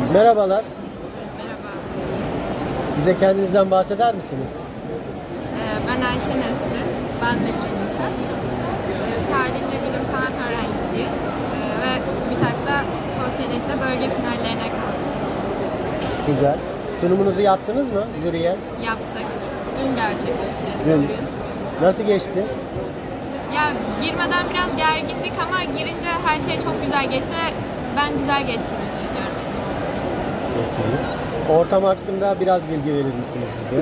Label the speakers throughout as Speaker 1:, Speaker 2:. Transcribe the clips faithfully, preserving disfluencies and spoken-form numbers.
Speaker 1: Merhabalar.
Speaker 2: Merhaba.
Speaker 1: Bize kendinizden bahseder misiniz?
Speaker 2: Ee, ben Ayşe Nesli.
Speaker 3: Ben de Gülşen.
Speaker 2: Ee, Salihli Bilim Sanat öğrencisiyiz. Ee, ve TÜBİTAK'ta sosyaliste bölge finallerine kaldık.
Speaker 1: Güzel. Sunumunuzu yaptınız mı jüriye?
Speaker 2: Yaptık.
Speaker 3: Dün gerçekleşti.
Speaker 1: Dün.
Speaker 3: Görüyorsunuz.
Speaker 1: Nasıl geçti?
Speaker 2: Ya girmeden biraz gergindik ama girince her şey çok güzel geçti ve ben güzel geçtiğini düşünüyorum.
Speaker 1: Peki. Ortam hakkında biraz bilgi verir misiniz bize?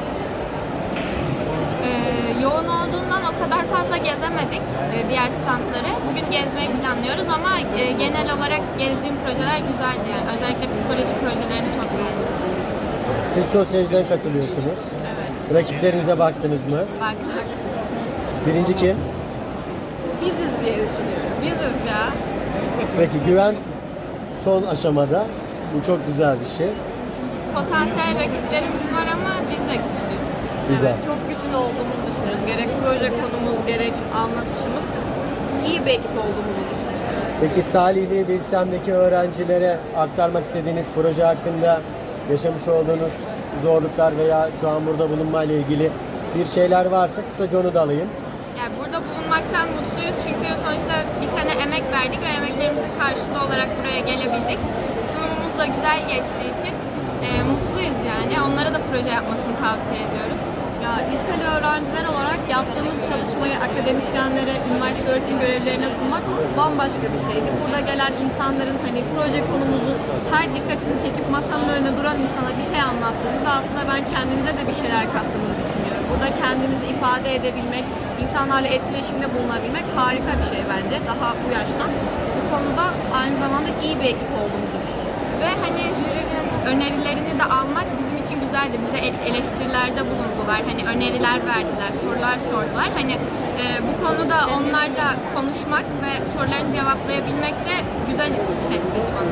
Speaker 2: Ee, yoğun olduğundan o kadar fazla gezemedik e, diğer standları. Bugün gezmeyi planlıyoruz ama e, genel olarak gezdiğim projeler güzeldi yani. Özellikle psikoloji projelerini çok beğendim.
Speaker 1: Siz sosyolojiden katılıyorsunuz.
Speaker 3: Evet.
Speaker 1: Rakiplerinize baktınız mı?
Speaker 2: Baktık.
Speaker 1: Birinci kim?
Speaker 3: Biziz diye düşünüyoruz.
Speaker 2: Biziz ya.
Speaker 1: Peki güven son aşamada. Bu çok güzel bir şey.
Speaker 2: Potansiyel rakiplerimiz var ama biz de güçlüyüz.
Speaker 1: Güzel.
Speaker 3: Evet, çok güçlü olduğumuzu düşünüyoruz. Gerek proje konumuz, gerek anlatışımız iyi bir ekip olduğumuzu düşünüyoruz.
Speaker 1: Peki Salihli Bilsem'deki öğrencilere aktarmak istediğiniz proje hakkında yaşamış olduğunuz zorluklar veya şu an burada bulunmayla ilgili bir şeyler varsa kısaca onu da alayım.
Speaker 2: Yani burada bulunmaktan mutluyuz çünkü sonuçta bir sene emek verdik ve emeklerimizin karşılığı olarak buraya gelebildik. Sunumumuz da güzel geçtiği için e, mutluyuz yani. Onlara da proje yapmasını tavsiye ediyoruz.
Speaker 3: Ya liseli öğrenciler olarak yaptığımız çalışmayı akademisyenlere, üniversite öğretim görevlilerine sunmak bambaşka bir şeydi. Burada gelen insanların hani proje konumuzu her dikkatini çekip masanın önüne duran insana bir şey anlattığımızda aslında ben kendimize de bir şeyler kattığımızı düşünüyorum. Burada kendimizi ifade edebilmek, insanlarla etkileşimde bulunabilmek harika bir şey bence daha bu yaştan. Bu konuda aynı zamanda iyi bir ekip olduğumuzu düşünüyorum.
Speaker 2: Ve hani jürinin önerilerini de almak bizim için güzeldi. Bize el- eleştirilerde bulundular. Hani öneriler verdiler, sorular sordular. Hani e, bu konuda onlarla konuşmak ve sorularını cevaplayabilmek de güzel hissettirdi bana.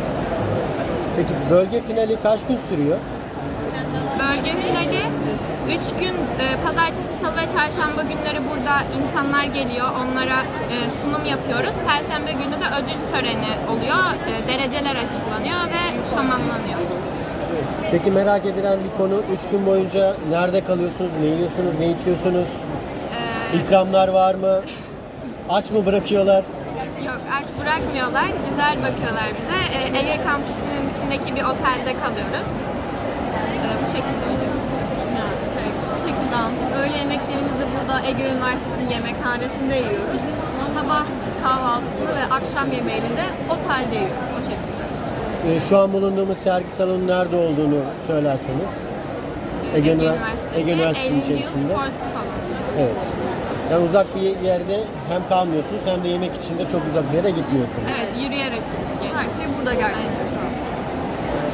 Speaker 1: Peki bölge finali kaç gün sürüyor?
Speaker 2: Bölge finali üç gün e, pazartesi, salı ve çarşamba günleri burada insanlar geliyor. Onlara e, sunum yapıyoruz. Perşembe günü de ödül töreni oluyor. E, dereceler açıklanıyor ve tamamlanıyor.
Speaker 1: Peki merak edilen bir konu, üç gün boyunca nerede kalıyorsunuz, ne yiyorsunuz, ne içiyorsunuz?
Speaker 2: E,
Speaker 1: İkramlar var mı? Aç mı bırakıyorlar?
Speaker 2: Yok, aç bırakmıyorlar. Güzel bakıyorlar bize. E, Ege kampüsünün içindeki bir otelde kalıyoruz. E, bu şekilde oluyor.
Speaker 3: Yani şey, şu şekilde anlatayım. Öğle yemeklerimizi burada Ege Üniversitesi'nin yemekhanesinde yiyoruz. Sabah kahvaltısını ve akşam yemeğini de otelde yiyoruz o şekilde.
Speaker 1: Ee, şu an bulunduğumuz sergi salonu nerede olduğunu söylerseniz. Ege,
Speaker 2: Ege
Speaker 1: Ünivers-
Speaker 2: Üniversitesi,
Speaker 1: Ege Üniversitesi'nin
Speaker 2: Eylül
Speaker 1: içerisinde.
Speaker 2: Spor Salonu.
Speaker 1: Evet. Yani uzak bir yerde hem kalmıyorsunuz hem de yemek için de çok uzak bir yere gitmiyorsunuz.
Speaker 2: Evet, yürüyerek gittik.
Speaker 3: Her şey burada gerçekleşiyor.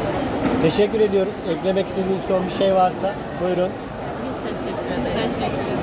Speaker 1: Teşekkür ediyoruz. Eklemek istediğiniz son bir şey varsa buyurun.
Speaker 3: Biz teşekkür ederiz.
Speaker 2: Teşekkür ederim.